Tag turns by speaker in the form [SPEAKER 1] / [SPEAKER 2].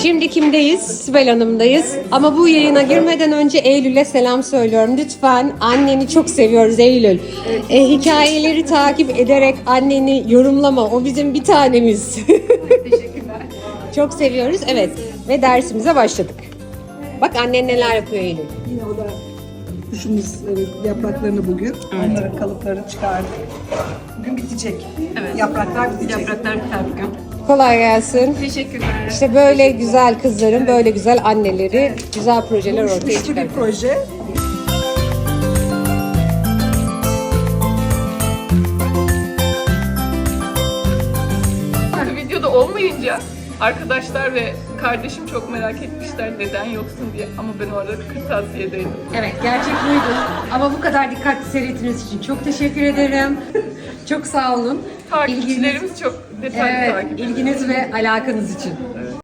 [SPEAKER 1] Şimdi kimdeyiz? Sibel Hanım'dayız. Ama bu yayına girmeden önce Eylül'e selam söylüyorum. Lütfen anneni çok seviyoruz Eylül. Hikayeleri takip ederek anneni yorumlama. O bizim bir tanemiz.
[SPEAKER 2] Teşekkürler.
[SPEAKER 1] Çok seviyoruz. Evet. Ve dersimize başladık. Bak annen neler yapıyor Eylül.
[SPEAKER 3] Yine o da kuşumuz yapraklarını bugün. Onların kalıplarını çıkardık. Bugün bitecek.
[SPEAKER 2] Evet.
[SPEAKER 3] Yapraklar bitecek.
[SPEAKER 2] Yapraklar biter bugün.
[SPEAKER 1] Kolay gelsin.
[SPEAKER 2] Teşekkürler.
[SPEAKER 1] İşte böyle güzel kızların, böyle güzel anneleri, güzel projeler ortaya
[SPEAKER 3] Güçlü bir
[SPEAKER 1] çıkarıyor.
[SPEAKER 3] proje.
[SPEAKER 2] Videoda olmayınca arkadaşlar ve kardeşim çok merak etmişler neden yoksun diye. Ama ben o arada kırtasiyedeydim.
[SPEAKER 1] Evet, gerçek buydu. Ama bu kadar dikkatli seyrettiğiniz için çok teşekkür ederim. Çok sağ olun.
[SPEAKER 2] Takipçilerimiz çok detaylı
[SPEAKER 1] Evet,
[SPEAKER 2] takip ediyor.
[SPEAKER 1] ilginiz ve alakanız için.